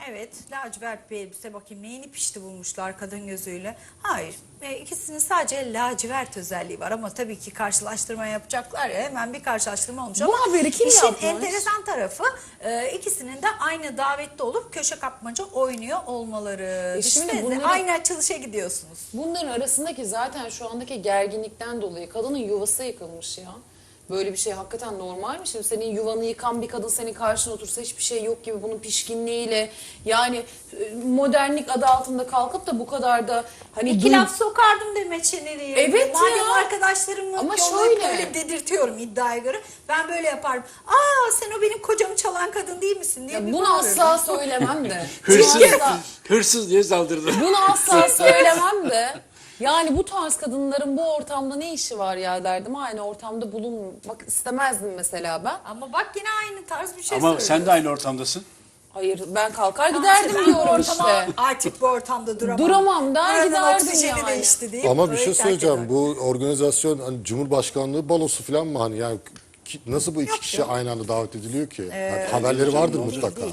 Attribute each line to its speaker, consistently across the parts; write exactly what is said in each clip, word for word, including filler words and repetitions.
Speaker 1: evet, lacivert bir elbise, bakayım neyini pişti bulmuşlar kadın gözüyle. Hayır, e, ikisinin sadece lacivert özelliği var ama tabii ki karşılaştırma yapacaklar ya, hemen bir karşılaştırma olmuş
Speaker 2: Bu
Speaker 1: ama
Speaker 2: haberi kim
Speaker 1: işin
Speaker 2: yapmış?
Speaker 1: enteresan tarafı e, ikisinin de aynı davette olup köşe kapmaca oynuyor olmaları.
Speaker 2: E şimdi
Speaker 1: Düşünsenize,
Speaker 2: bunları-
Speaker 1: aynı açılışa gidiyorsunuz.
Speaker 2: Bunların arasındaki zaten şu andaki gerginlikten dolayı kadının yuvası yıkılmış ya. Böyle bir şey hakikaten normal mi? Şimdi senin yuvanı yıkan bir kadın senin karşına otursa hiçbir şey yok gibi bunun pişkinliğiyle, yani e, modernlik adı altında kalkıp da bu kadar da hani
Speaker 1: İki
Speaker 2: duy-
Speaker 1: laf sokardım Demet Şener'e.
Speaker 2: Evet
Speaker 1: Madem
Speaker 2: ya.
Speaker 1: arkadaşlarımla
Speaker 2: Ama
Speaker 1: yollayıp
Speaker 2: şöyle.
Speaker 1: böyle dedirtiyorum iddiaya göre. Ben böyle yaparım. Aa, sen o benim kocamı çalan kadın değil misin diye
Speaker 2: Ya
Speaker 1: bir
Speaker 2: bunu
Speaker 1: bağırırım.
Speaker 2: asla söylemem de.
Speaker 3: Hırsız,
Speaker 2: Bunu asla-
Speaker 3: hırsız diye saldırdı.
Speaker 2: Bunu asla söylemem de. Yani bu tarz kadınların bu ortamda ne işi var ya derdim. Aynı ortamda bulunmak istemezdim mesela ben.
Speaker 1: Ama bak yine aynı tarz bir şey
Speaker 3: Ama
Speaker 1: söylüyor.
Speaker 3: sen de aynı ortamdasın.
Speaker 2: Hayır, ben kalkar
Speaker 1: Tamam,
Speaker 2: giderdim
Speaker 1: işte ben bu
Speaker 2: diyorum
Speaker 1: ortama,
Speaker 2: işte.
Speaker 1: artık bu ortamda duramam.
Speaker 2: Duramam der,
Speaker 1: Buranın
Speaker 2: giderdim
Speaker 1: oksijeni
Speaker 2: yani.
Speaker 1: değişti deyip
Speaker 4: Ama bir
Speaker 1: orayı
Speaker 4: şey
Speaker 1: terk
Speaker 4: söyleyeceğim.
Speaker 1: ediyorum.
Speaker 4: Bu organizasyon hani Cumhurbaşkanlığı balosu falan mı hani yani ki- nasıl bu iki
Speaker 1: Yok
Speaker 4: kişi
Speaker 1: canım.
Speaker 4: aynı anda davet ediliyor ki? Yani haberleri vardır mutlaka.
Speaker 1: Değil.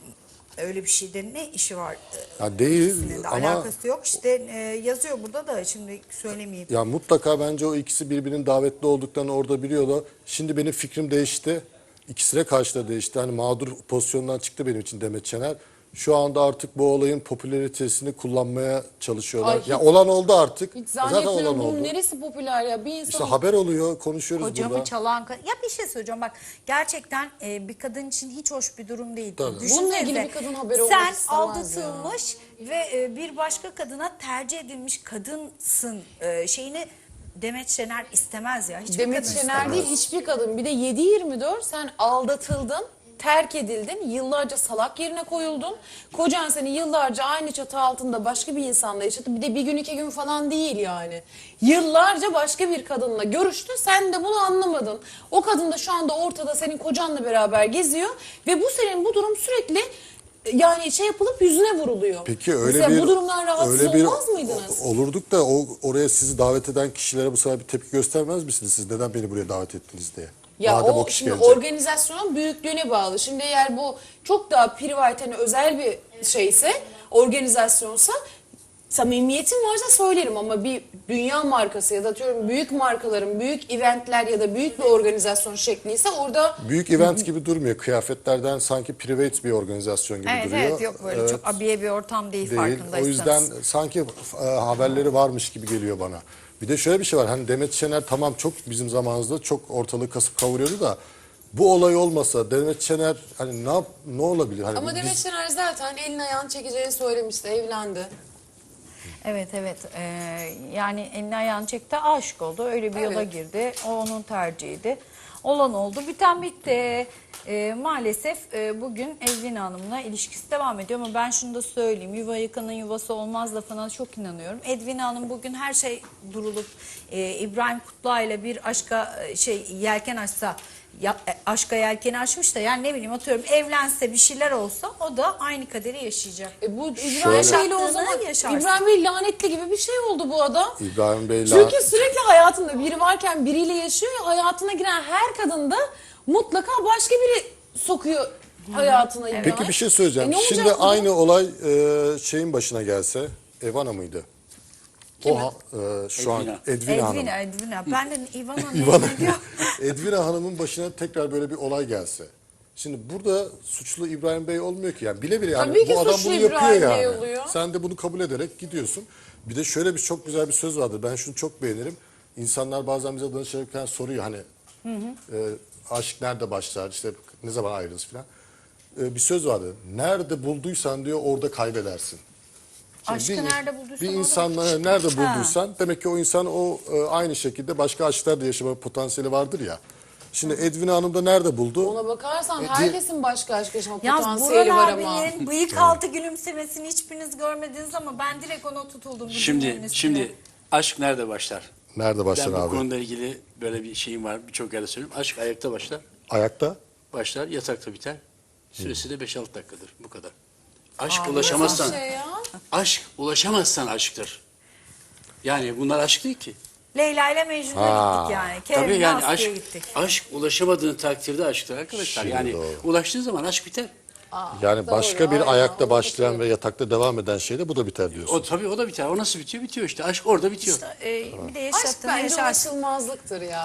Speaker 1: Öyle bir şeyde ne işi var?
Speaker 4: Ya değil
Speaker 1: İkisinin de
Speaker 4: ama
Speaker 1: alakası yok. İşte e, yazıyor burada da, şimdi söylemeyeyim.
Speaker 4: ya mutlaka bence o ikisi birbirinin davetli olduklarını orada biliyorlar. Şimdi benim fikrim değişti. İkisine karşı da değişti. Hani mağdur pozisyondan çıktı benim için Demet Şener. Şu anda artık bu olayın popülaritesini kullanmaya çalışıyorlar.
Speaker 2: Ay, hiç-
Speaker 4: ya olan oldu artık.
Speaker 2: Hiç
Speaker 4: Zaten
Speaker 2: zannetmiyorum
Speaker 4: olan
Speaker 2: bunun
Speaker 4: oldu.
Speaker 2: neresi popüler ya. Bir insan
Speaker 4: İşte haber oluyor, konuşuyoruz
Speaker 1: Kocamı
Speaker 4: burada.
Speaker 1: çalan kadın. Ya bir şey söyleyeceğim bak. Gerçekten e, bir kadın için hiç hoş bir durum değil.
Speaker 4: Tabii.
Speaker 1: Düşünsenize,
Speaker 2: Bununla ilgili bir kadın haberi olmak
Speaker 1: sen
Speaker 2: istemez
Speaker 1: aldatılmış ve e, bir başka kadına tercih edilmiş kadınsın e, şeyini Demet Şener istemez ya. Hiçbir
Speaker 2: Demet
Speaker 1: kadın
Speaker 2: Şener
Speaker 1: istemez.
Speaker 2: değil hiçbir kadın. Bir de yedi yirmi dört sen aldatıldın, terk edildin, yıllarca salak yerine koyuldun. Kocan seni yıllarca aynı çatı altında başka bir insanla yaşadı. Bir de bir gün iki gün falan değil yani. Yıllarca başka bir kadınla görüştü. Sen de bunu anlamadın. O kadın da şu anda ortada senin kocanla beraber geziyor. Ve bu senin bu durum sürekli yani şey yapılıp yüzüne vuruluyor.
Speaker 4: Peki öyle
Speaker 2: Mesela
Speaker 4: bir
Speaker 2: bu durumdan rahatsız
Speaker 4: öyle bir
Speaker 2: olmaz mıydınız?
Speaker 4: o- olurduk da o oraya sizi davet eden kişilere bu sefer bir tepki göstermez misiniz? Siz neden beni buraya davet ettiniz diye?
Speaker 2: Ya
Speaker 4: Madem
Speaker 2: o,
Speaker 4: kişi
Speaker 2: şimdi
Speaker 4: gelecek.
Speaker 2: organizasyonun büyüklüğüne bağlı. Şimdi eğer bu çok daha private, hani özel bir şeyse, organizasyonsa samimiyetim varsa söylerim ama bir dünya markası ya da atıyorum büyük markaların büyük eventler ya da büyük bir organizasyon şekliyse orada
Speaker 4: Büyük event gibi durmuyor. Kıyafetlerden sanki private bir organizasyon gibi
Speaker 1: Evet
Speaker 4: duruyor.
Speaker 1: evet, yok böyle
Speaker 4: Evet,
Speaker 1: çok abiye bir ortam değil,
Speaker 4: değil.
Speaker 1: farkındaysanız.
Speaker 4: O yüzden sanki e, haberleri varmış gibi geliyor bana. Bir de şöyle bir şey var. Hani Demet Şener tamam çok bizim zamanımızda çok ortalığı kasıp kavuruyordu da bu olay olmasa Demet Şener hani ne yap, ne olabilir? Hani
Speaker 2: ama
Speaker 4: biz-
Speaker 2: Demet Şener zaten elini ayağını çekeceğini söylemişti, evlendi.
Speaker 1: Evet evet, Ee, yani elini ayağını çekti, aşık oldu, öyle bir yola
Speaker 2: Evet.
Speaker 1: girdi, o onun tercihiydi, olan oldu, biten bitti. Ee, maalesef e, bugün Edwin Hanım'la ilişkisi devam ediyor ama ben şunu da söyleyeyim, yuva yıkanın yuvası olmaz lafına çok inanıyorum. Edwin Hanım bugün her şey durulup e, İbrahim Kutluay'la bir aşka e, şey yelken açsa, ya, e, aşka yelkeni açmış da, yani ne bileyim atıyorum evlense, bir şeyler olsa o da aynı kaderi yaşayacak.
Speaker 2: E bu İbrahim
Speaker 4: Şöyle-
Speaker 2: Bey'le o zaman
Speaker 1: Yaşarsın.
Speaker 2: İbrahim Bey lanetli gibi bir şey oldu bu adam.
Speaker 4: İbrahim Bey'le
Speaker 2: Çünkü sürekli hayatında biri varken biriyle yaşıyor ya, hayatına giren her kadın da mutlaka başka biri sokuyor hayatına. İbrahim.
Speaker 4: Peki bir şey söyleyeceğim.
Speaker 2: E ne olacak
Speaker 4: Şimdi
Speaker 2: bu?
Speaker 4: aynı olay e, şeyin başına gelse, Evana mıydı? O ha- e, şu an
Speaker 3: Edwina.
Speaker 4: Edwina Hanım.
Speaker 1: Edwina, Edwina. Ben de Ivana
Speaker 4: İvana,
Speaker 1: ne diyor?
Speaker 4: Edwina Hanım'ın başına tekrar böyle bir olay gelse. Şimdi burada suçlu İbrahim Bey olmuyor ki yani bile bile yani
Speaker 2: Tabii ki
Speaker 4: bu adam
Speaker 2: suçlu
Speaker 4: bunu
Speaker 2: İbrahim
Speaker 4: yapıyor
Speaker 2: Bey
Speaker 4: yani.
Speaker 2: oluyor.
Speaker 4: Sen de bunu kabul ederek gidiyorsun. Bir de şöyle bir çok güzel bir söz vardır. Ben şunu çok beğenirim. İnsanlar bazen bize danışırken soruyor hani e, aşk nerede başlar, işte ne zaman ayrılırız falan. E, bir söz vardır. Nerede bulduysan diyor orada kaybedersin. Şimdi
Speaker 1: Aşkı nerede bulduysan
Speaker 4: bir
Speaker 1: orada
Speaker 4: insanla
Speaker 1: bul-
Speaker 4: nerede
Speaker 1: Ha.
Speaker 4: bulduysan demek ki o insan o e, aynı şekilde başka aşklar da yaşama potansiyeli vardır ya. Şimdi Edwin Hanım da nerede buldu?
Speaker 2: Ona bakarsan
Speaker 4: E,
Speaker 2: herkesin başka aşk yaşama
Speaker 1: Yalnız
Speaker 2: potansiyeli
Speaker 1: Burhan
Speaker 2: var ama.
Speaker 1: abinin bıyık altı gülümsemesini hiçbiriniz görmediniz ama ben direkt ona tutuldum. bu
Speaker 3: Şimdi
Speaker 1: cümlenin üstüne.
Speaker 3: şimdi aşk nerede başlar?
Speaker 4: Nerede başlar
Speaker 3: Ben bu
Speaker 4: abi?
Speaker 3: konuyla ilgili böyle bir şeyim var. Birçok yerde söylüyorum. Aşk ayakta başlar.
Speaker 4: Ayakta?
Speaker 3: Başlar, yatakta biter. Süresi de beş altı dakikadır. Bu kadar. Aşk
Speaker 1: Aa,
Speaker 3: ulaşamazsan,
Speaker 2: Nasıl şey ya?
Speaker 3: aşk ulaşamazsan aşktır. Yani bunlar aşk değil ki.
Speaker 1: Leyla ile Mecnun'a
Speaker 4: Ha.
Speaker 1: gittik yani.
Speaker 3: Tabii
Speaker 1: Kerem'le
Speaker 3: yani
Speaker 1: Aslı'ya
Speaker 3: aşk,
Speaker 1: gittik.
Speaker 3: aşk ulaşamadığın takdirde aşktır arkadaşlar.
Speaker 4: Şimdi
Speaker 3: Yani
Speaker 4: doğru.
Speaker 3: ulaştığı zaman aşk biter.
Speaker 4: Yani
Speaker 2: doğru,
Speaker 4: başka bir
Speaker 2: aynen,
Speaker 4: ayakta
Speaker 2: onu
Speaker 4: başlayan
Speaker 2: katılıyorum.
Speaker 4: ve yatakta devam eden şeyde bu da biter diyorsun.
Speaker 3: O tabii o da biter. O nasıl bitiyor? Bitiyor işte. Aşk orada bitiyor.
Speaker 1: E, bir de
Speaker 2: Aşk
Speaker 1: yaşattığını
Speaker 2: bence
Speaker 1: yaşarsın.
Speaker 2: ulaşılmazlıktır ya.